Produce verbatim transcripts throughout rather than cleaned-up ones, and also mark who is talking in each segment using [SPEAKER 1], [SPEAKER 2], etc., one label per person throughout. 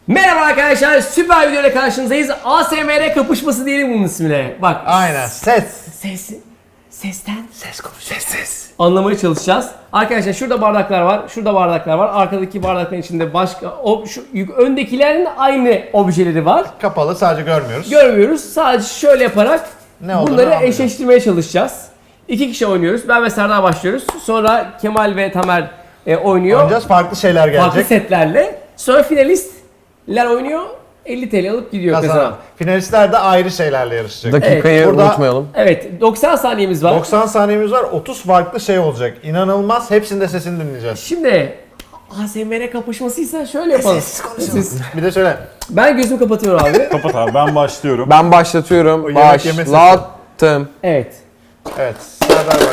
[SPEAKER 1] Merhaba arkadaşlar, süper videoyla karşınızdayız. A S M R kapışması diyelim bunun ismine. Bak.
[SPEAKER 2] Aynen, ses.
[SPEAKER 1] Ses. Sesten.
[SPEAKER 2] Ses konuşuyor. Ses, ses.
[SPEAKER 1] Anlamaya çalışacağız. Arkadaşlar şurada bardaklar var, şurada bardaklar var. Arkadaki bardakların içinde başka, o, şu, öndekilerin aynı objeleri var.
[SPEAKER 2] Kapalı, sadece görmüyoruz.
[SPEAKER 1] Görmüyoruz. Sadece şöyle yaparak
[SPEAKER 2] Ne olduğunu
[SPEAKER 1] bunları
[SPEAKER 2] anlayacağız.
[SPEAKER 1] eşleştirmeye çalışacağız. İki kişi oynuyoruz. Ben ve Serdar başlıyoruz. Sonra Kemal ve Tamer e, oynuyor.
[SPEAKER 2] Oynayacağız, farklı şeyler gelecek.
[SPEAKER 1] Farklı setlerle. Sonra finalistler oynuyor. elli TL alıp gidiyor kazanan.
[SPEAKER 2] Kazanan. Finalistler de ayrı şeylerle yarışacak.
[SPEAKER 3] Dakikayı
[SPEAKER 1] Evet,
[SPEAKER 2] burada-
[SPEAKER 3] unutmayalım.
[SPEAKER 1] Evet, doksan saniyemiz var.
[SPEAKER 2] doksan saniyemiz var, otuz farklı şey olacak. İnanılmaz, hepsinde sesini dinleyeceğiz.
[SPEAKER 1] Şimdi A S M R kapışmasıysa şöyle yapalım.
[SPEAKER 2] Sessiz konuşalım. Bir de şöyle.
[SPEAKER 1] Ben gözümü kapatıyorum abi.
[SPEAKER 4] Kapat abi, ben başlıyorum.
[SPEAKER 3] Ben başlatıyorum.
[SPEAKER 2] O yemek yeme sesi.
[SPEAKER 3] Başlattım.
[SPEAKER 1] Evet.
[SPEAKER 2] Evet, Serdar bak.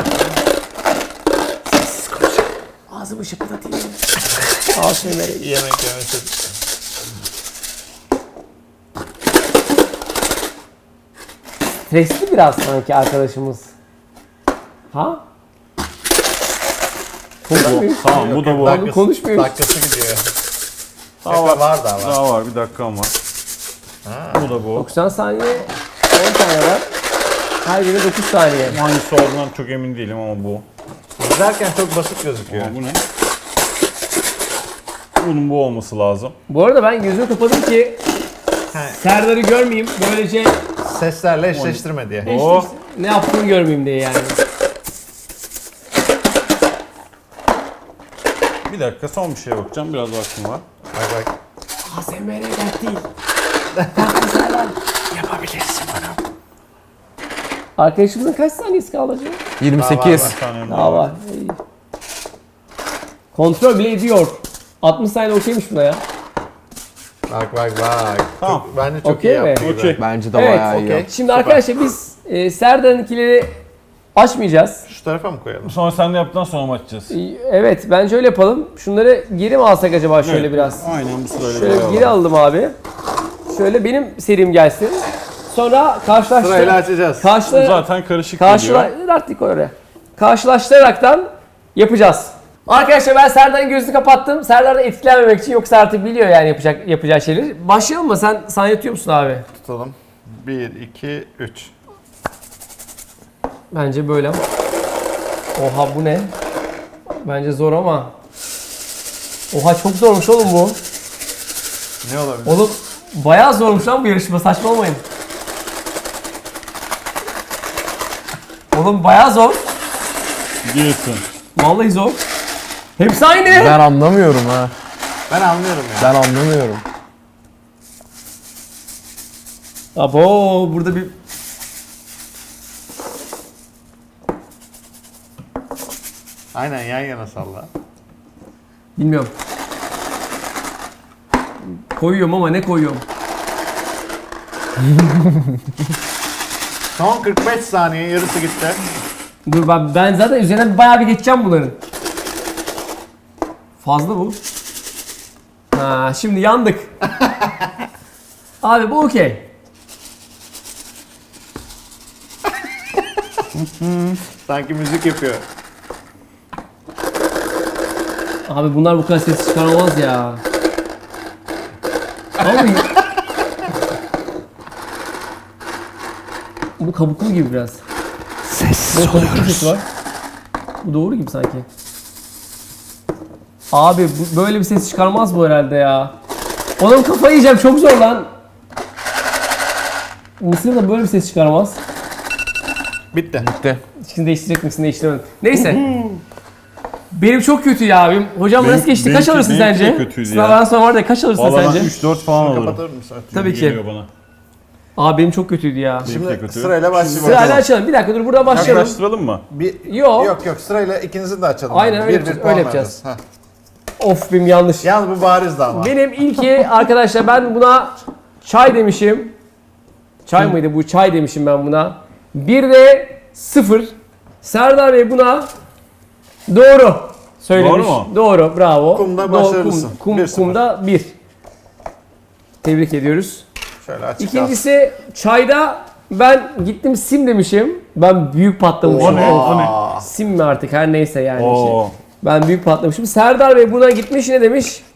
[SPEAKER 1] Ağzımı şıpırdatayım. A S M R.
[SPEAKER 2] Yemek yeme sesi.
[SPEAKER 1] Stresli biraz sanki arkadaşımız. Ha? Konuşmuyor.
[SPEAKER 4] Tamam, bu da bu.
[SPEAKER 1] Dakika- konuşmuyoruz.
[SPEAKER 2] Dakikası gidiyor.
[SPEAKER 4] Daha
[SPEAKER 2] Şaka
[SPEAKER 4] var,
[SPEAKER 2] var daha var.
[SPEAKER 4] daha var, bir dakikam var. Bu da bu.
[SPEAKER 1] doksan saniye, on tane var. Her biri dokuz saniye.
[SPEAKER 4] Hangisi olduğundan çok emin değilim ama bu.
[SPEAKER 2] İzlerken çok basit gözüküyor.
[SPEAKER 4] Ama bu ne? Bunun bu olması lazım.
[SPEAKER 1] Bu arada ben gözümü kapadım ki
[SPEAKER 2] He.
[SPEAKER 1] Serdar'ı görmeyeyim. Böylece
[SPEAKER 2] Seslerle eşleştirme diye.
[SPEAKER 4] Oh.
[SPEAKER 1] işte ne yaptığını görmeyeyim diye yani.
[SPEAKER 4] Bir dakika, son bir şeye bakacağım. Biraz vaktim var.
[SPEAKER 2] Bak bak.
[SPEAKER 1] A S M R dert değil. Farklı Serdar.
[SPEAKER 2] Yapabilirsin bunu.
[SPEAKER 1] Arkadaşımızın kaç saniyesi kaldı acaba?
[SPEAKER 3] yirmi sekiz.
[SPEAKER 2] Daha var,
[SPEAKER 4] Bir tane
[SPEAKER 1] Daha var. İyi. Kontrol bile ediyor. altmış saniye okeymiş buna ya.
[SPEAKER 2] Bak bak bak.
[SPEAKER 4] Tamam.
[SPEAKER 2] Çok, bence çok
[SPEAKER 1] Okey
[SPEAKER 2] iyi
[SPEAKER 1] mi?
[SPEAKER 2] yaptı gibi.
[SPEAKER 4] Okey.
[SPEAKER 3] Bence de
[SPEAKER 1] Evet,
[SPEAKER 3] bayağı iyi.
[SPEAKER 2] okey.
[SPEAKER 3] yaptı.
[SPEAKER 1] Şimdi arkadaşlar biz e, Serdar'ınkileri açmayacağız.
[SPEAKER 2] Şu tarafa mı koyalım?
[SPEAKER 4] Sonra sen de yaptıktan sonra mı açacağız?
[SPEAKER 1] E, Evet, bence öyle yapalım. Şunları geri mi alsak acaba şöyle
[SPEAKER 4] Evet,
[SPEAKER 1] biraz?
[SPEAKER 4] Aynen bu sırayla
[SPEAKER 1] Şöyle
[SPEAKER 4] bir
[SPEAKER 1] geri alalım abi. Şöyle benim serim gelsin. Sonra karşılaştır.
[SPEAKER 2] Sırayla açacağız.
[SPEAKER 1] Karşıla
[SPEAKER 4] Zaten karışık
[SPEAKER 1] karşıla
[SPEAKER 4] geliyor.
[SPEAKER 1] artık oraya. Karşılaştıraraktan yapacağız. Arkadaşlar ben Serdar'ın gözünü kapattım. Serdar da etkilenmemek için, yoksa artık biliyor yani yapacak yapacağı şeyleri. Başlayalım mı? Sen saniye tutuyor musun abi?
[SPEAKER 2] Tutalım. bir, iki, üç.
[SPEAKER 1] Bence böyle. Oha, bu ne? Bence zor ama. Oha, çok zormuş oğlum bu.
[SPEAKER 2] Ne olabilir?
[SPEAKER 1] Oğlum bayağı zormuş lan bu yarışma, saçmalamayın. Oğlum bayağı zor.
[SPEAKER 4] Diyorsun.
[SPEAKER 1] Vallahi zor. Hepsi aynı.
[SPEAKER 3] Ben anlamıyorum ha.
[SPEAKER 2] Ben anlıyorum ya.
[SPEAKER 3] Ben anlamıyorum.
[SPEAKER 1] Abo, burada bir...
[SPEAKER 2] Aynen, yan yana salla.
[SPEAKER 1] Bilmiyorum. Koyuyorum ama ne koyuyorum?
[SPEAKER 2] Son kırk beş saniye, yarısı gitti.
[SPEAKER 1] Dur ben, ben zaten üzerinden bayağı bir geçeceğim bunların. Fazla bu. Ha, şimdi yandık. Abi bu okey.
[SPEAKER 2] Sanki müzik yapıyor.
[SPEAKER 1] Abi bunlar bu kadar ses çıkaramaz ya. Abi... Bu kabuklu gibi biraz.
[SPEAKER 2] Sessiz
[SPEAKER 1] Bu kabuklu sesi var. Bu doğru gibi sanki. Abi bu, böyle bir ses çıkarmaz bu herhalde ya. Oğlum kafayı yiyeceğim, çok zor lan. Mısır da böyle bir ses çıkarmaz.
[SPEAKER 2] Bitti.
[SPEAKER 3] Bitti.
[SPEAKER 1] İçini değiştirecek misin, değiştiremedim. Neyse. Benim çok kötü ya. Benim, hocam
[SPEAKER 4] Benim-
[SPEAKER 1] nasıl geçti?
[SPEAKER 4] benimki-
[SPEAKER 1] Kaç alırsın
[SPEAKER 4] benimki de
[SPEAKER 1] sence?
[SPEAKER 4] kötüydü
[SPEAKER 1] Sınavdan
[SPEAKER 4] ya.
[SPEAKER 1] sonra var da kaç alırsın
[SPEAKER 4] Valla ben
[SPEAKER 1] sence?
[SPEAKER 4] üç dört falan alırım.
[SPEAKER 2] Kapatır mısın?
[SPEAKER 1] Tabii ki.
[SPEAKER 4] Geliyor bana.
[SPEAKER 1] Abi benim çok kötüydü ya.
[SPEAKER 4] Benimki de
[SPEAKER 2] Şimdi
[SPEAKER 4] kötü.
[SPEAKER 2] sırayla başlayalım.
[SPEAKER 1] Sırayla açalım. Bir dakika dur, buradan başlayalım.
[SPEAKER 4] Yaklaştıralım mı?
[SPEAKER 2] Bir,
[SPEAKER 1] Yo.
[SPEAKER 2] Yok yok, sırayla ikinizi de açalım.
[SPEAKER 1] Aynen,
[SPEAKER 2] abi.
[SPEAKER 1] öyle
[SPEAKER 2] Bir,
[SPEAKER 1] yapacağız,
[SPEAKER 2] bir puan
[SPEAKER 1] öyle yapacağız.
[SPEAKER 2] vereceğiz.
[SPEAKER 1] Of, benim yanlış.
[SPEAKER 2] Heh. Yalnız bu barizdi ama.
[SPEAKER 1] Benim ilki arkadaşlar, ben buna çay demişim. Çay mıydı bu? Çay demişim ben buna. Bir de sıfır. Serdar Bey buna doğru söylemiş.
[SPEAKER 4] Doğru mu?
[SPEAKER 1] Doğru, bravo.
[SPEAKER 2] Kumda
[SPEAKER 1] Doğru,
[SPEAKER 2] başarılısın.
[SPEAKER 1] Kum, kum,
[SPEAKER 2] Bir sıfır.
[SPEAKER 1] kumda bir. Tebrik ediyoruz.
[SPEAKER 2] Şöyle açık
[SPEAKER 1] İkincisi çayda ben gittim sim demişim. Ben büyük patlamışım.
[SPEAKER 4] O ne? O ne?
[SPEAKER 1] Sim mi artık, her neyse yani.
[SPEAKER 4] Oo.
[SPEAKER 1] Şey. Ben büyük patlamışım. Serdar Bey buna gitmiş, ne demiş?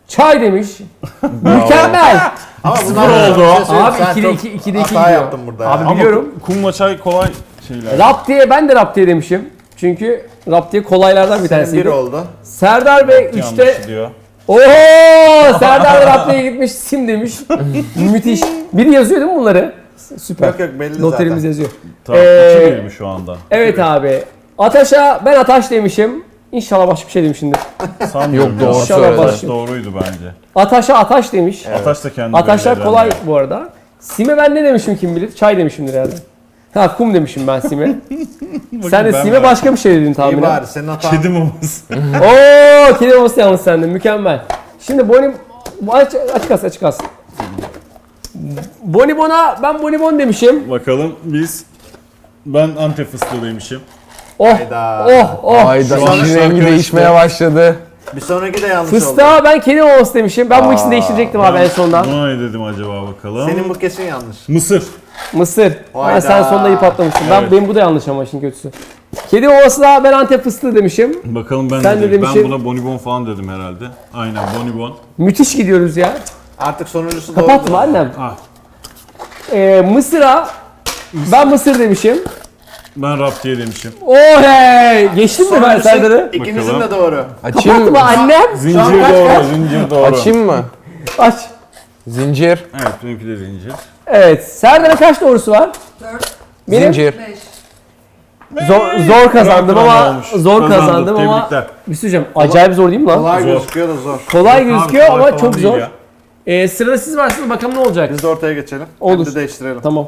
[SPEAKER 1] Çay demiş. Mükemmel.
[SPEAKER 2] Ama
[SPEAKER 4] Sıfır
[SPEAKER 2] bunlar
[SPEAKER 4] oldu.
[SPEAKER 1] Abi ikide iki, ikide iki
[SPEAKER 2] hata
[SPEAKER 1] gidiyor.
[SPEAKER 2] yaptım burada
[SPEAKER 1] Abi
[SPEAKER 2] ya.
[SPEAKER 4] Ama
[SPEAKER 1] biliyorum.
[SPEAKER 4] kumla çay kolay şeyler.
[SPEAKER 1] Rap diye ben de rap diye demişim. Çünkü rap diye kolaylardan bir
[SPEAKER 2] Senin bir
[SPEAKER 1] tanesiydi.
[SPEAKER 2] oldu.
[SPEAKER 1] Serdar Bey
[SPEAKER 4] Yanlış
[SPEAKER 1] üçte.
[SPEAKER 4] diyor.
[SPEAKER 1] Oho! Serdar da rap diye gitmiş. Sim demiş. Müthiş. Biri yazıyor değil mi bunları? Süper.
[SPEAKER 2] Yok yok belli
[SPEAKER 1] Notlarımız
[SPEAKER 2] zaten.
[SPEAKER 1] yazıyor.
[SPEAKER 4] Tamam
[SPEAKER 1] Ee,
[SPEAKER 4] iki bir mi şu anda?
[SPEAKER 1] Evet abi. Ataş'a ben Ataş demişim. İnşallah başka bir şey demişimdir.
[SPEAKER 4] Sanmıyorum
[SPEAKER 3] Yok,
[SPEAKER 4] ya.
[SPEAKER 3] doğru
[SPEAKER 1] İnşallah
[SPEAKER 3] söyledi.
[SPEAKER 1] baş-
[SPEAKER 4] Doğruydu bence.
[SPEAKER 1] Ataş'a Ataş demiş.
[SPEAKER 4] Ataş da kendi
[SPEAKER 1] Ataşlar
[SPEAKER 4] belli
[SPEAKER 1] kolay
[SPEAKER 4] eden
[SPEAKER 1] bu arada. Sim'e ben ne demişim kim bilir? Çay demişimdir herhalde. Ha kum demişim ben Sim'e. Sen de
[SPEAKER 4] ben
[SPEAKER 1] Sim'e
[SPEAKER 4] de-
[SPEAKER 1] başka bir şey dedin
[SPEAKER 2] İyi
[SPEAKER 1] tahminen.
[SPEAKER 2] bari senin
[SPEAKER 4] ya.
[SPEAKER 2] hatan.
[SPEAKER 4] Kedi maması.
[SPEAKER 1] Oo, kedi maması yalnız sende. Mükemmel. Şimdi Boni... Aç, aç kas, aç kas. Bonibon'a ben Bonibon demişim.
[SPEAKER 4] Bakalım biz... Ben Antep fıstığı demişim.
[SPEAKER 1] Oh,
[SPEAKER 2] Hayda.
[SPEAKER 1] oh, oh.
[SPEAKER 3] Ayda
[SPEAKER 2] Şu an
[SPEAKER 3] işin
[SPEAKER 4] şarkı
[SPEAKER 3] rengi
[SPEAKER 4] işte.
[SPEAKER 3] değişmeye başladı.
[SPEAKER 2] Bir sonraki de yanlış oldu.
[SPEAKER 1] Fıstığa ben kedi maması demişim. Ben bu ikisini değiştirecektim abi en sondan.
[SPEAKER 4] Buna ne dedim acaba bakalım.
[SPEAKER 2] Senin bu kesin yanlış.
[SPEAKER 4] Mısır.
[SPEAKER 1] Mısır. Ha,
[SPEAKER 2] Hayda.
[SPEAKER 1] sen sonunda iyi patlamışsın. Ben,
[SPEAKER 4] Evet.
[SPEAKER 1] benim bu da yanlış ama işin kötüsü. Kedi maması da ben Antep fıstığı demişim.
[SPEAKER 4] Bakalım ben
[SPEAKER 1] Sen
[SPEAKER 4] ne
[SPEAKER 1] de
[SPEAKER 4] dedim. Ben
[SPEAKER 1] demişsin-
[SPEAKER 4] buna bonibon falan dedim herhalde. Aynen bonibon.
[SPEAKER 1] Müthiş gidiyoruz ya.
[SPEAKER 2] Artık sonuncusu doğru.
[SPEAKER 1] Kapatma annem.
[SPEAKER 4] Ah.
[SPEAKER 1] Ee, Mısır'a ben Mısır demişim.
[SPEAKER 4] Ben rap diye demişim.
[SPEAKER 1] Oh hey! Geçtim mi ben Serdar'ı?
[SPEAKER 2] İkinizin
[SPEAKER 4] Bakalım.
[SPEAKER 2] de doğru.
[SPEAKER 3] Açayım
[SPEAKER 1] Kapatma
[SPEAKER 3] mı?
[SPEAKER 1] annem.
[SPEAKER 4] Zincir
[SPEAKER 2] kaç
[SPEAKER 4] doğru,
[SPEAKER 2] kaç?
[SPEAKER 4] zincir doğru.
[SPEAKER 3] Açayım mı?
[SPEAKER 1] Aç.
[SPEAKER 3] Zincir.
[SPEAKER 4] Evet benimki de zincir.
[SPEAKER 1] Evet. Serdar'a kaç doğrusu var?
[SPEAKER 5] dört,
[SPEAKER 1] Benim
[SPEAKER 3] Zincir.
[SPEAKER 5] beş.
[SPEAKER 1] zor, zor kazandım
[SPEAKER 4] Kıran kıran
[SPEAKER 1] ama
[SPEAKER 4] olmuş.
[SPEAKER 1] zor
[SPEAKER 4] Kazandım,
[SPEAKER 1] kazandım ama
[SPEAKER 4] tebrikler.
[SPEAKER 1] bir şey söyleyeceğim. Acayip zor değil mi lan?
[SPEAKER 2] Kolay
[SPEAKER 4] Zor.
[SPEAKER 2] gözüküyor da zor.
[SPEAKER 1] Kolay
[SPEAKER 4] Abi,
[SPEAKER 1] gözüküyor
[SPEAKER 4] kolay
[SPEAKER 1] ama
[SPEAKER 4] falan
[SPEAKER 1] çok
[SPEAKER 4] değil
[SPEAKER 1] zor.
[SPEAKER 4] ya.
[SPEAKER 1] Ee, sırada siz varsınız bakalım ne olacak?
[SPEAKER 2] Biz de ortaya geçelim.
[SPEAKER 1] Olur.
[SPEAKER 2] Hem de değiştirelim.
[SPEAKER 1] Tamam.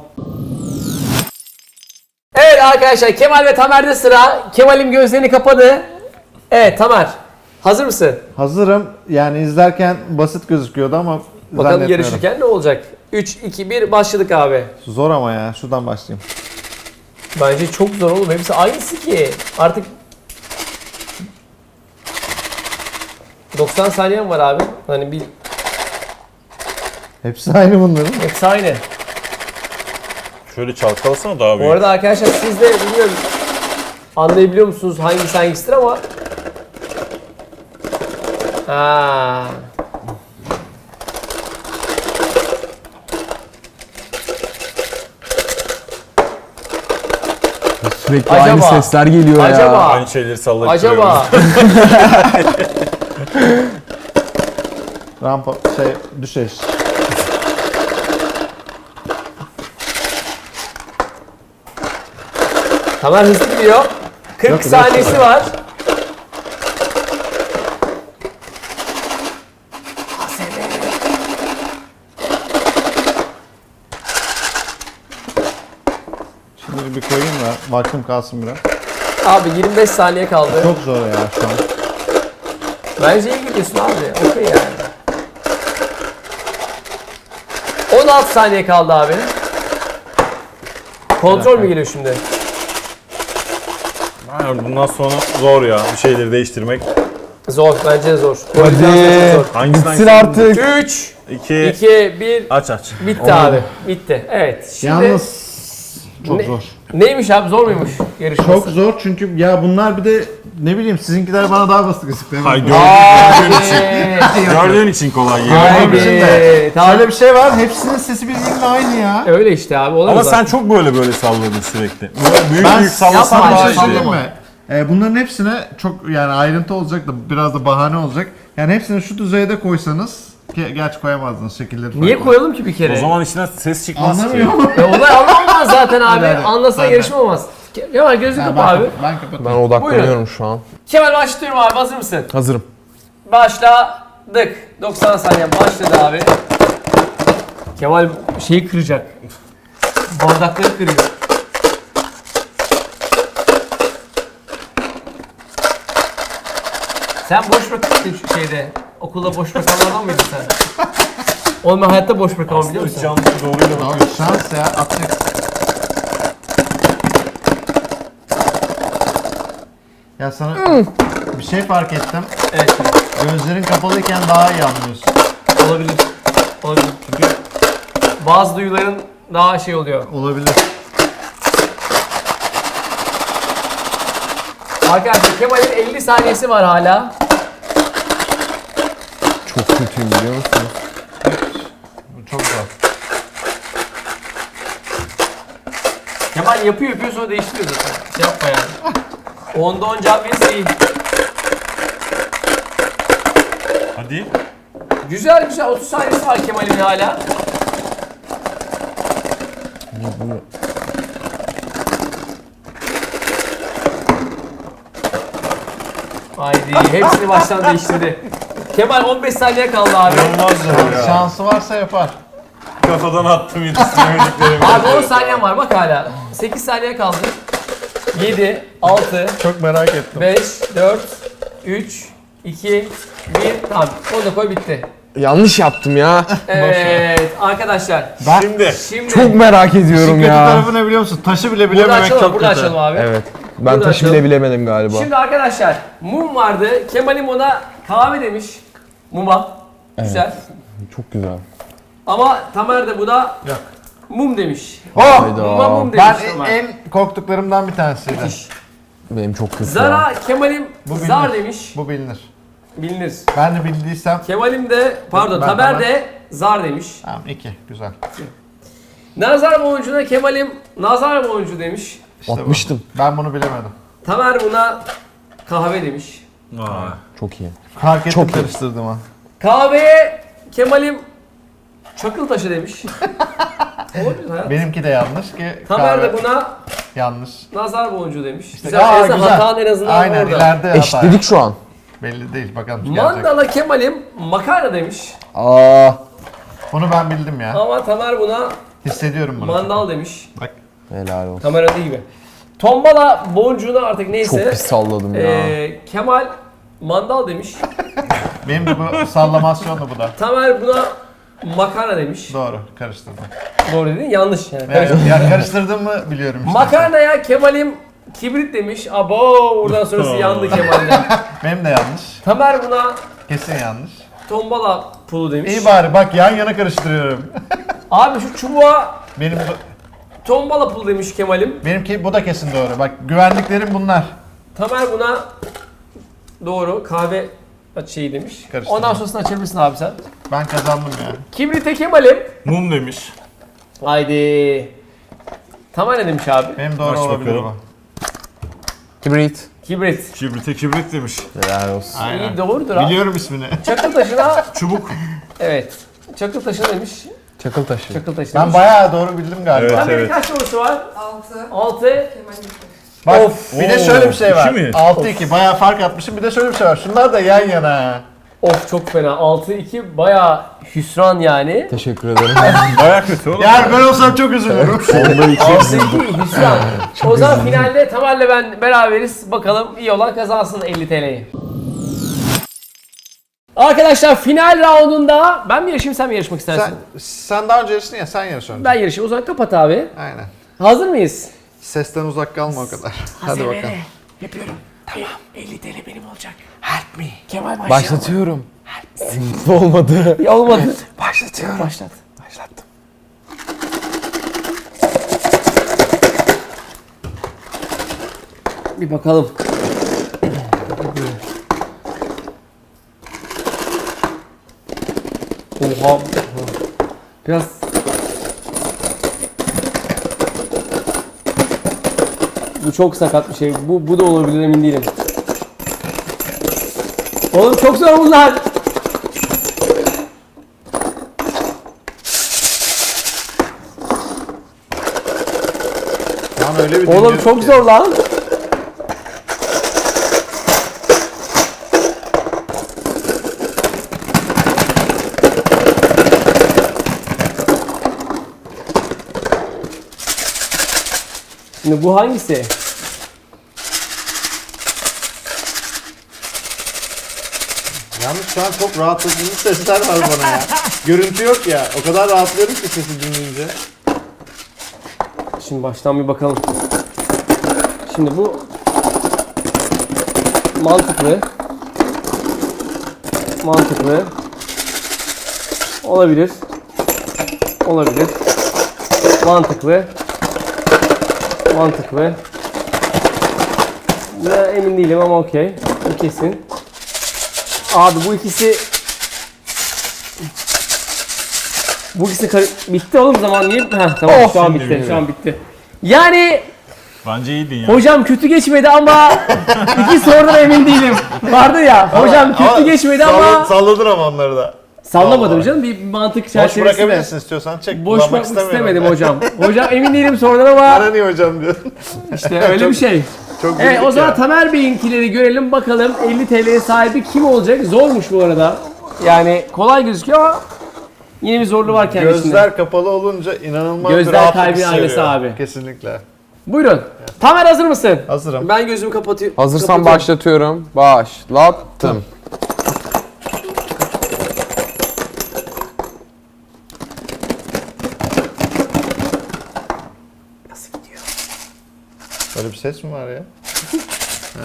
[SPEAKER 1] Evet arkadaşlar Kemal ve Tamer'de sıra. Kemal'im gözlerini kapadı. Evet Tamer. Hazır mısın?
[SPEAKER 2] Hazırım. Yani izlerken basit gözüküyordu ama
[SPEAKER 1] Bakalım
[SPEAKER 2] zannetmiyorum.
[SPEAKER 1] yarışırken ne olacak? üç, iki, bir başladık abi.
[SPEAKER 2] Zor ama ya. Şuradan başlayayım.
[SPEAKER 1] Bence çok zor oğlum. Hepsi aynısı ki. Artık doksan saniyen var abi. Hani bir
[SPEAKER 2] Hepsi aynı bunların.
[SPEAKER 1] hepsi aynı.
[SPEAKER 4] Şöyle çalkalasana daha
[SPEAKER 1] Bu
[SPEAKER 4] büyük.
[SPEAKER 1] arada arkadaşlar siz de bilmiyorum anlayabiliyor musunuz hangisi hangisidir ama ha.
[SPEAKER 3] Sürekli
[SPEAKER 1] Acaba?
[SPEAKER 3] aynı sesler geliyor ya.
[SPEAKER 1] Acaba?
[SPEAKER 4] Aynı şeyleri sallayıp
[SPEAKER 1] Acaba
[SPEAKER 2] Rampa şey düşeş.
[SPEAKER 1] Tamer hızlı gidiyor. kırk
[SPEAKER 2] Yok,
[SPEAKER 1] saniyesi var.
[SPEAKER 2] Şimdi bir koyayım da vaktim kalsın biraz.
[SPEAKER 1] Abi yirmi beş saniye kaldı.
[SPEAKER 2] Çok zor ya şu an.
[SPEAKER 1] Bence iyi gidiyorsun abi. Okey yani. on altı saniye kaldı abi. Kontrol mü geliyor şimdi?
[SPEAKER 4] Hayır, bundan sonra zor ya bir şeyleri değiştirmek.
[SPEAKER 1] Zor. Bence de zor.
[SPEAKER 3] Hadi.
[SPEAKER 4] Hangisinden
[SPEAKER 3] Bitsin artık.
[SPEAKER 1] üç,
[SPEAKER 4] İki.
[SPEAKER 1] iki, bir.
[SPEAKER 4] Aç aç.
[SPEAKER 1] Bitti abi. Bitti. Evet. Şimdi
[SPEAKER 2] Yalnız çok
[SPEAKER 1] Ne-
[SPEAKER 2] zor.
[SPEAKER 1] neymiş abi? Zor muymuş yarışması?
[SPEAKER 2] Çok zor çünkü ya bunlar bir de ne bileyim sizinkiler bana daha basit gözüküyor.
[SPEAKER 4] Hay gördüğün, gördüğün için.
[SPEAKER 1] Abi.
[SPEAKER 4] Gördüğün için kolay geliyor.
[SPEAKER 1] Haydi.
[SPEAKER 2] Şimdi
[SPEAKER 1] Tamam.
[SPEAKER 2] şöyle bir şey var. Hepsinin sesi birbirine aynı ya.
[SPEAKER 1] Öyle işte abi. Olamaz
[SPEAKER 4] Ama sen
[SPEAKER 1] zaten.
[SPEAKER 4] çok böyle böyle salladın sürekli. Böyle büyük
[SPEAKER 2] Ben
[SPEAKER 4] büyük sallasan
[SPEAKER 1] yapma,
[SPEAKER 4] daha
[SPEAKER 2] bir
[SPEAKER 4] iyi.
[SPEAKER 2] şey söyleyeyim mi? Ee, bunların hepsine çok yani ayrıntı olacak da biraz da bahane olacak. Yani hepsini şu düzeyde koysanız ki gerçi koyamazdınız şekilleri
[SPEAKER 1] Niye
[SPEAKER 2] farklı.
[SPEAKER 1] koyalım ki bir kere?
[SPEAKER 4] O zaman içinden ses çıkmaz ki.
[SPEAKER 2] Anlamıyorum.
[SPEAKER 1] E, olay anlamaz zaten abi.
[SPEAKER 2] Hadi, hadi.
[SPEAKER 1] Anlasan
[SPEAKER 2] Hadi.
[SPEAKER 1] yarışma olmaz. Ke- Kemal gözünü
[SPEAKER 2] Ha,
[SPEAKER 1] kapa abi.
[SPEAKER 2] ben kapatıyorum.
[SPEAKER 3] Ben odaklanıyorum şu an.
[SPEAKER 1] Kemal başlıyorum abi. Hazır mısın?
[SPEAKER 3] Hazırım.
[SPEAKER 1] Başladık. doksan saniye başladı abi. Kemal şeyi kıracak. Bardakları kırıyor. Sen boş bırakmıştın şu şeyde. Okulda boş bırakanlardan mıydın sen? Oğlum ben hayatta boş bırakamam biliyor musun?
[SPEAKER 4] Canlı doğruyla bak.
[SPEAKER 2] Abi şans ya atacak. Ya sana bir şey fark ettim.
[SPEAKER 1] Evet.
[SPEAKER 2] Gözlerin kapalıyken daha iyi anlıyorsun.
[SPEAKER 1] Olabilir. Olabilir. Çünkü bazı duyuların daha şey oluyor.
[SPEAKER 2] Olabilir.
[SPEAKER 1] Arkadaşlar Kemal'in elli saniyesi var hala.
[SPEAKER 3] Çok kötüyüm biliyor musunuz?
[SPEAKER 2] Bu çok zor.
[SPEAKER 1] Kemal yapıyor yapıyor sonra değiştiriyor zaten. Şey yapma yani. Onda on cevap verirse iyi.
[SPEAKER 4] Hadi.
[SPEAKER 1] Güzel güzel otuz saniyesi var Kemal'in hala. Haydi hepsini baştan değiştirdi. Kemal on beş saniye kaldı abi.
[SPEAKER 4] Olmaz zor ya.
[SPEAKER 2] Şansı varsa yapar.
[SPEAKER 4] Kafadan attım yetiştiremediklerimi.
[SPEAKER 1] Abi on saniyen var bak hala. sekiz saniye kaldı. yedi, altı,
[SPEAKER 2] Çok merak ettim.
[SPEAKER 1] beş, dört, üç, iki, bir. Tamam onu da koy bitti.
[SPEAKER 3] Yanlış yaptım ya.
[SPEAKER 1] Evet arkadaşlar.
[SPEAKER 4] Şimdi.
[SPEAKER 1] Şimdi
[SPEAKER 3] Çok merak
[SPEAKER 2] İşin
[SPEAKER 3] ediyorum
[SPEAKER 2] kötü
[SPEAKER 3] ya.
[SPEAKER 2] tarafı ne biliyor musun? Taşı bile
[SPEAKER 1] burada
[SPEAKER 2] bilememek
[SPEAKER 1] açalım,
[SPEAKER 2] çok
[SPEAKER 1] burada
[SPEAKER 2] kötü.
[SPEAKER 1] açalım abi.
[SPEAKER 3] Evet. Ben
[SPEAKER 1] Burada
[SPEAKER 3] taşı
[SPEAKER 1] açalım.
[SPEAKER 3] bile bilemedim galiba.
[SPEAKER 1] Şimdi arkadaşlar mum vardı. Kemal'im ona kahve demiş. Muma. Güzel.
[SPEAKER 3] Çok güzel.
[SPEAKER 1] Ama Tamer de buna
[SPEAKER 2] Yok.
[SPEAKER 1] mum demiş.
[SPEAKER 2] Oh!
[SPEAKER 3] Hayda.
[SPEAKER 1] Muma mum demiş
[SPEAKER 2] Ben
[SPEAKER 1] Tamer.
[SPEAKER 2] en, en korktuklarımdan bir tanesiydi.
[SPEAKER 3] Benim çok kötü. ya.
[SPEAKER 1] Zara Kemal'im
[SPEAKER 2] Bu bilinir.
[SPEAKER 1] zar demiş.
[SPEAKER 2] Bu bilinir.
[SPEAKER 1] Bilinir.
[SPEAKER 2] Ben de bildiysem
[SPEAKER 1] Kemal'im de pardon
[SPEAKER 2] Ben
[SPEAKER 1] Tamer
[SPEAKER 2] Tamer.
[SPEAKER 1] de zar demiş.
[SPEAKER 2] tamam iki güzel.
[SPEAKER 1] Nazar boncuğuna Kemal'im nazar boncuğu demiş.
[SPEAKER 2] İşte bu.
[SPEAKER 3] Atmıştım.
[SPEAKER 2] Ben bunu bilemedim.
[SPEAKER 1] Tamer buna kahve demiş.
[SPEAKER 4] Vay.
[SPEAKER 3] Çok iyi.
[SPEAKER 2] Fark ettim
[SPEAKER 3] Çok iyi.
[SPEAKER 2] karıştırdım ha.
[SPEAKER 1] Kahveye Kemal'im çakıl taşı demiş. Olabilir hayat.
[SPEAKER 2] Benimki de yanlış ki.
[SPEAKER 1] Tamer
[SPEAKER 2] kahve
[SPEAKER 1] de buna
[SPEAKER 2] yanlış.
[SPEAKER 1] nazar boncuğu demiş.
[SPEAKER 2] İşte,
[SPEAKER 1] güzel,
[SPEAKER 2] aa,
[SPEAKER 1] en azından
[SPEAKER 2] güzel.
[SPEAKER 1] hatan en azından
[SPEAKER 2] Aynen
[SPEAKER 1] orada.
[SPEAKER 2] ileride hata.
[SPEAKER 3] Eşitledik şu an.
[SPEAKER 2] Belli değil bakalım gelecek.
[SPEAKER 1] Mandala Kemal'im makarna demiş.
[SPEAKER 3] Aa.
[SPEAKER 2] Bunu ben bildim ya.
[SPEAKER 1] Ama Tamer buna
[SPEAKER 2] Hissediyorum bunu.
[SPEAKER 1] mandal demiş.
[SPEAKER 2] Bak.
[SPEAKER 3] Helal olsun.
[SPEAKER 1] Tamer öyle gibi. Tombala boncuğuna artık
[SPEAKER 3] Çok
[SPEAKER 1] neyse.
[SPEAKER 3] pis salladım ya.
[SPEAKER 1] Ee, Kemal mandal demiş.
[SPEAKER 2] Benim de bu sallamasyonlu bu da.
[SPEAKER 1] Tamer buna makarna demiş.
[SPEAKER 2] Doğru karıştırdım.
[SPEAKER 1] Doğru dedin yanlış yani.
[SPEAKER 2] Ya, ya karıştırdım mı biliyorum işte.
[SPEAKER 1] Makarnaya Kemal'im kibrit demiş. Abo oradan sonrası yandı Kemal'den.
[SPEAKER 2] Benim de yanlış.
[SPEAKER 1] Tamer buna
[SPEAKER 2] Kesin yanlış.
[SPEAKER 1] tombala pulu demiş.
[SPEAKER 2] İyi bari bak yan yana karıştırıyorum.
[SPEAKER 1] Abi şu çubuğa
[SPEAKER 2] Benim bu,
[SPEAKER 1] tombala pulu demiş Kemal'im.
[SPEAKER 2] benimki bu da kesin doğru. Bak güvenliklerim bunlar.
[SPEAKER 1] Tamer buna doğru kahve şeyi demiş.
[SPEAKER 2] Karıştırdım.
[SPEAKER 1] Ondan sonrasını açabilirsin abi sen.
[SPEAKER 2] Ben kazandım ya.
[SPEAKER 1] Kibrite Kemal'im.
[SPEAKER 4] Mum demiş.
[SPEAKER 1] Haydi. Tamer ne demiş abi?
[SPEAKER 2] Benim doğru
[SPEAKER 4] Aç
[SPEAKER 2] olabilir
[SPEAKER 4] bakalım.
[SPEAKER 2] bu.
[SPEAKER 3] Kibrit.
[SPEAKER 1] Kibrit.
[SPEAKER 4] Kibrite kibrit demiş.
[SPEAKER 3] Helal olsun.
[SPEAKER 1] İyi doğrudur abi.
[SPEAKER 2] Biliyorum ismini.
[SPEAKER 1] Çakıl taşına
[SPEAKER 4] Çubuk.
[SPEAKER 1] evet. Çakıl taşı demiş.
[SPEAKER 3] Çakıl taşı.
[SPEAKER 1] Çakıl taşı
[SPEAKER 2] Ben
[SPEAKER 1] demiş.
[SPEAKER 2] bayağı doğru bildim galiba.
[SPEAKER 4] Evet.
[SPEAKER 1] Tamer'in kaç sorusu var?
[SPEAKER 5] altı.
[SPEAKER 1] altı.
[SPEAKER 5] Kemal iki.
[SPEAKER 2] Bak
[SPEAKER 1] Of.
[SPEAKER 2] bir de
[SPEAKER 4] Oo,
[SPEAKER 2] şöyle bir şey var.
[SPEAKER 4] iki mi?
[SPEAKER 2] altı iki bayağı fark atmışım. Bir de şöyle bir şey var. Şunlar da yan yana.
[SPEAKER 1] Of çok fena. altı iki bayağı hüsran yani.
[SPEAKER 3] Teşekkür ederim.
[SPEAKER 4] Baya kötü oğlum.
[SPEAKER 2] Yani ben olsam çok üzülürüm.
[SPEAKER 3] Onda iki.
[SPEAKER 1] altı iki hüsran. O zaman finalde Tamer'le ben beraberiz. Bakalım iyi olan kazansın elli T L'yi. Arkadaşlar final roundunda ben mi yarışayım sen mi yarışmak istersin?
[SPEAKER 2] sen, sen daha önce yarıştın ya sen yarış önce.
[SPEAKER 1] Ben yarışayım. O zaman kapat abi.
[SPEAKER 2] Aynen.
[SPEAKER 1] Hazır mıyız?
[SPEAKER 2] Sesten uzak kalma o kadar. Hadi bakalım.
[SPEAKER 1] Yapıyorum. Tamam. elli T L benim olacak. Help me. Kemal başlayalım.
[SPEAKER 3] Başlatıyorum. Mutlu olmadı.
[SPEAKER 1] Ya olmadı.
[SPEAKER 3] Başlatıyorum.
[SPEAKER 1] Başlat.
[SPEAKER 3] Başlattım.
[SPEAKER 1] Bir bakalım. Oha. Biraz bu çok sakat bir şey. Bu bu da olabilir emin değilim. Oğlum çok zor bunlar.
[SPEAKER 2] Lan öyle bir
[SPEAKER 1] Oğlum
[SPEAKER 2] dinliyorum
[SPEAKER 1] çok
[SPEAKER 2] ki.
[SPEAKER 1] zor lan. Şimdi bu hangisi?
[SPEAKER 2] Yalnız şu an çok rahatlatıcı sesler var bana ya. Görüntü yok ya. O kadar rahatlıyorum ki sesi dinleyince.
[SPEAKER 1] Şimdi baştan bir bakalım. Şimdi bu mantıklı. Mantıklı. Olabilir. Olabilir. Mantıklı. Mantıklı. Buna emin değilim ama okey. Bu kesin. Abi bu ikisi Bu ikisi kar- bitti oğlum zaman niye? Heh, tamam
[SPEAKER 3] Oh,
[SPEAKER 1] şu an
[SPEAKER 4] şimdi
[SPEAKER 1] bitti.
[SPEAKER 4] bitti.
[SPEAKER 1] Şu an bitti. Yani
[SPEAKER 4] Bence iyiydin ya.
[SPEAKER 1] hocam kötü geçmedi ama iki sorudan emin değilim. Vardı ya hocam kötü geçmedi ama
[SPEAKER 2] Salladın ama onları da.
[SPEAKER 1] sallamadım canım bir mantık
[SPEAKER 2] Boş
[SPEAKER 1] çerçevesinde.
[SPEAKER 2] bırakabilirsin istiyorsan çek.
[SPEAKER 1] Boş
[SPEAKER 2] Kullanmak
[SPEAKER 1] bırakmak
[SPEAKER 2] istemiyorum.
[SPEAKER 1] istemedim hocam. Hocam emin değilim sorudan ama
[SPEAKER 2] Bana niye hocam diyorsun?
[SPEAKER 1] işte öyle bir şey.
[SPEAKER 2] Çok
[SPEAKER 1] Evet
[SPEAKER 2] güldük
[SPEAKER 1] o zaman
[SPEAKER 2] ya.
[SPEAKER 1] Tamer Bey'inkileri görelim bakalım elli T L'ye sahibi kim olacak? Zormuş bu arada. Yani kolay gözüküyor ama yine bir zorluğu var kendisinde.
[SPEAKER 2] Gözler kapalı olunca inanılmaz
[SPEAKER 1] Gözler
[SPEAKER 2] bir rahatlık
[SPEAKER 1] kalbin
[SPEAKER 2] hissediyor.
[SPEAKER 1] aynası abi.
[SPEAKER 2] Kesinlikle.
[SPEAKER 1] Buyurun. Tamer hazır mısın?
[SPEAKER 2] Hazırım.
[SPEAKER 1] Ben gözümü kapatıyorum.
[SPEAKER 3] Hazırsan başlatıyorum. Başlattım.
[SPEAKER 1] Nasıl gidiyor?
[SPEAKER 2] Böyle bir ses mi var ya? Ha.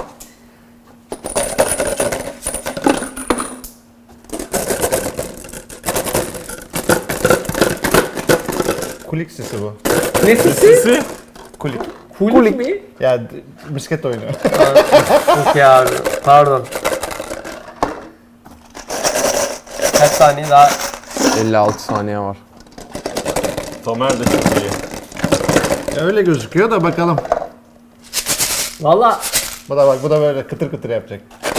[SPEAKER 2] Kulik sesi bu.
[SPEAKER 1] Ne sesi?
[SPEAKER 4] Sesi.
[SPEAKER 2] Kulik.
[SPEAKER 1] Kulik mi?
[SPEAKER 2] Ya d- misket oyunu.
[SPEAKER 1] Okey abi. Pardon. Kaç saniye daha?
[SPEAKER 3] elli altı saniye var.
[SPEAKER 4] Tamer de çok iyi.
[SPEAKER 2] Öyle gözüküyor da bakalım.
[SPEAKER 1] Valla
[SPEAKER 2] Bu da bak bu da böyle kıtır kıtır yapacak.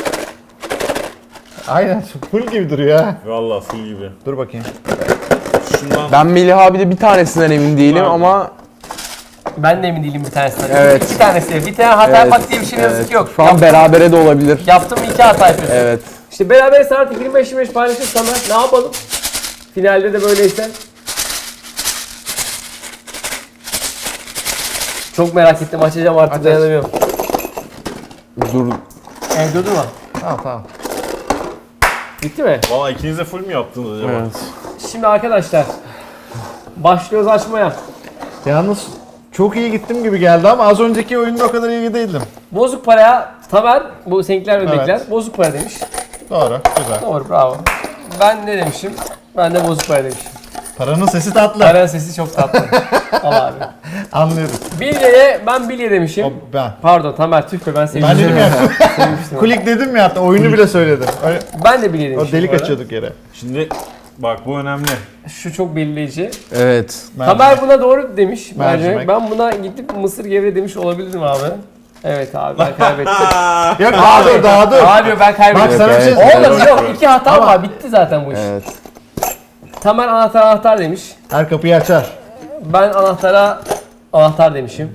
[SPEAKER 2] Aynen full gibi duruyor ha.
[SPEAKER 4] Valla full gibi.
[SPEAKER 2] Dur bakayım.
[SPEAKER 4] Şundan
[SPEAKER 3] Ben Melih abi de bir tanesinden emin değilim
[SPEAKER 4] Abi.
[SPEAKER 3] ama
[SPEAKER 1] ben de emin değilim bir tanesinden.
[SPEAKER 3] Evet.
[SPEAKER 1] İki tanesi. Bir tane hata
[SPEAKER 3] Evet,
[SPEAKER 1] yapmak diye bir şey ne yazık
[SPEAKER 3] evet.
[SPEAKER 1] ki yok.
[SPEAKER 3] Şu an
[SPEAKER 1] Yaptım-
[SPEAKER 3] berabere de olabilir.
[SPEAKER 1] Yaptım iki hata yapıyorsun.
[SPEAKER 3] Evet.
[SPEAKER 1] İşte beraber saat yirmi beş yirmi beş paylaşırsan ne yapalım? Finalde de böyleyse. Çok merak ettim açacağım artık
[SPEAKER 2] Aç, aç.
[SPEAKER 1] dayanamıyorum.
[SPEAKER 3] Dur.
[SPEAKER 1] Evde durma.
[SPEAKER 2] Tamam tamam.
[SPEAKER 1] Bitti mi?
[SPEAKER 4] Valla ikiniz de full mü yaptınız acaba?
[SPEAKER 3] Evet.
[SPEAKER 1] Şimdi arkadaşlar başlıyoruz açmaya.
[SPEAKER 2] Yalnız çok iyi gittim gibi geldi ama az önceki oyunda o kadar iyi değildim.
[SPEAKER 1] Bozuk paraya Tamer, bu seninkiler ödekiler
[SPEAKER 2] Evet.
[SPEAKER 1] bozuk para demiş.
[SPEAKER 2] Doğru, güzel.
[SPEAKER 1] Doğru bravo. Ben ne demişim? Ben de bozuk para demişim.
[SPEAKER 2] Paranın sesi tatlı.
[SPEAKER 1] Paranın sesi çok tatlı. Al abi.
[SPEAKER 2] Anlıyoruz.
[SPEAKER 1] Bilyeye ben bilye demişim.
[SPEAKER 2] O ben.
[SPEAKER 1] Pardon Tamer tüh be ben
[SPEAKER 2] Ben
[SPEAKER 1] sevmiştim.
[SPEAKER 2] dedim ya.
[SPEAKER 1] Sevmiştim.
[SPEAKER 2] Kulik dedim ya hatta oyunu bile söyledim. Öyle,
[SPEAKER 1] Ben de bilye
[SPEAKER 2] o
[SPEAKER 1] demişim.
[SPEAKER 2] delik
[SPEAKER 1] bu arada.
[SPEAKER 2] açıyorduk yere.
[SPEAKER 4] Şimdi bak bu önemli.
[SPEAKER 1] Şu çok belirleyici.
[SPEAKER 3] Evet.
[SPEAKER 1] Tamer buna doğru demiş.
[SPEAKER 2] Mercimek.
[SPEAKER 1] Mercimek. Ben buna gidip mısır gevre demiş olabilirim abi. Evet abi ben kaybettim.
[SPEAKER 2] Yok daha dur daha dur.
[SPEAKER 1] Abi ben kaybettim.
[SPEAKER 2] Bak sana bir şey
[SPEAKER 3] Evet.
[SPEAKER 2] söyleyeyim.
[SPEAKER 1] Oğlum yok iki hata var bitti zaten bu iş.
[SPEAKER 3] Evet.
[SPEAKER 1] Tamer anahtar anahtar demiş.
[SPEAKER 2] Her kapıyı açar.
[SPEAKER 1] Ben anahtara anahtar demişim.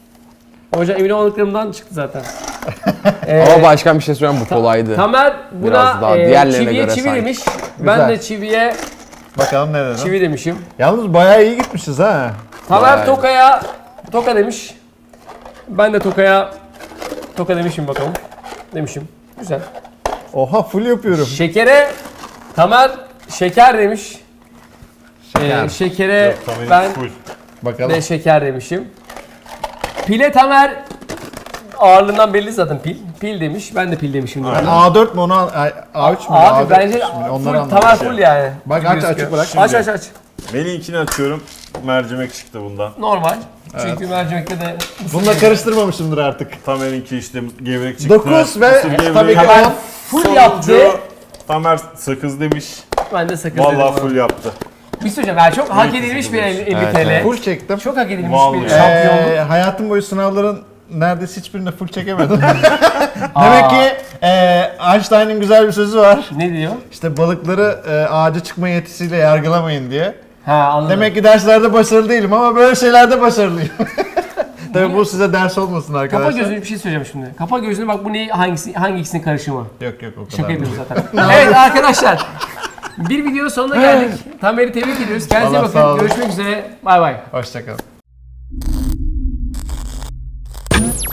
[SPEAKER 1] Hocam emin olmadıklarımdan çıktı zaten. Ee,
[SPEAKER 3] Ama başkan bir şey söyleyeyim bu kolaydı.
[SPEAKER 1] Tamer buna
[SPEAKER 3] Biraz daha
[SPEAKER 1] e,
[SPEAKER 3] diğerlerine
[SPEAKER 1] çiviye
[SPEAKER 3] göre
[SPEAKER 1] çivi
[SPEAKER 3] sanki.
[SPEAKER 1] demiş. Ben
[SPEAKER 2] Güzel.
[SPEAKER 1] de çiviye
[SPEAKER 2] Bakalım ne dedim.
[SPEAKER 1] çivi demişim.
[SPEAKER 2] Yalnız bayağı iyi gitmişiz ha.
[SPEAKER 1] Tamer
[SPEAKER 3] Vay.
[SPEAKER 1] tokaya toka demiş. Ben de tokaya toka demişim bakalım. Demişim. Güzel.
[SPEAKER 2] Oha full yapıyorum.
[SPEAKER 1] Şekere Tamer şeker demiş.
[SPEAKER 2] Şeker.
[SPEAKER 1] Ee, şekere
[SPEAKER 4] Yok, Tamer'in
[SPEAKER 1] ben
[SPEAKER 4] full.
[SPEAKER 2] Bakalım.
[SPEAKER 1] de şeker demişim. Pile Tamer ağırlığından belli zaten pil. Pil demiş. Ben de pil demişim.
[SPEAKER 2] Ben A dört mü onu al- ay, A üç mü?
[SPEAKER 1] Abi
[SPEAKER 2] A dört
[SPEAKER 1] bence
[SPEAKER 2] mü?
[SPEAKER 1] full,
[SPEAKER 2] Onları anladım.
[SPEAKER 1] Tamer full yani.
[SPEAKER 2] Bak
[SPEAKER 1] Gibi
[SPEAKER 2] aç
[SPEAKER 1] gözüküyor.
[SPEAKER 2] açık bırak.
[SPEAKER 1] Aç aç aç.
[SPEAKER 4] Melih'inkini açıyorum. Mercimek çıktı bundan.
[SPEAKER 1] Normal. Çünkü mercimekte de
[SPEAKER 2] Bununla karıştırmamışımdır artık.
[SPEAKER 4] Tamer'inki işte gevrek çıktı.
[SPEAKER 2] dokuz ve
[SPEAKER 4] mısır gevreği.
[SPEAKER 2] tabii ki
[SPEAKER 1] Tamer
[SPEAKER 2] on.
[SPEAKER 1] full
[SPEAKER 4] Sonuncu
[SPEAKER 1] yaptı.
[SPEAKER 4] Tamer sakız demiş.
[SPEAKER 1] Ben de sakız dedim.
[SPEAKER 4] Vallahi full yaptı.
[SPEAKER 1] Bir şey söyleyeceğim. Yani çok hak
[SPEAKER 4] Büyük
[SPEAKER 1] edilmiş
[SPEAKER 4] sakız
[SPEAKER 1] bir
[SPEAKER 4] demiş.
[SPEAKER 1] elli
[SPEAKER 3] Evet,
[SPEAKER 1] T L.
[SPEAKER 3] evet.
[SPEAKER 2] Full çektim.
[SPEAKER 1] Çok hak edilmiş
[SPEAKER 4] Vallahi.
[SPEAKER 1] bir şampiyonluk.
[SPEAKER 2] Ee, hayatım boyu sınavların neredeyse hiçbirinde full çekemedim. Demek ki e, Einstein'ın güzel bir sözü var.
[SPEAKER 1] Ne diyor?
[SPEAKER 2] İşte balıkları e, ağaca çıkma yetisiyle yargılamayın diye.
[SPEAKER 1] Ha anladım.
[SPEAKER 2] Demek ki derslerde başarılı değilim ama böyle şeylerde başarılıyım. Tabii bu size ders olmasın arkadaşlar.
[SPEAKER 1] Kapa gözünü bir şey söyleyeceğim şimdi. Kapa gözünü bak bu ne hangisi hangi ikisinin karışımı?
[SPEAKER 2] Yok yok o kadar.
[SPEAKER 1] Şaka
[SPEAKER 2] değil.
[SPEAKER 1] yapıyorum zaten. Evet arkadaşlar. Bir videonun sonuna geldik. Tamer'i tebrik ediyoruz. Kendinize iyi
[SPEAKER 2] Vallahi sağ
[SPEAKER 1] bakın.
[SPEAKER 2] olun.
[SPEAKER 1] Görüşmek üzere. Bay bay.
[SPEAKER 2] Hoşçakalın.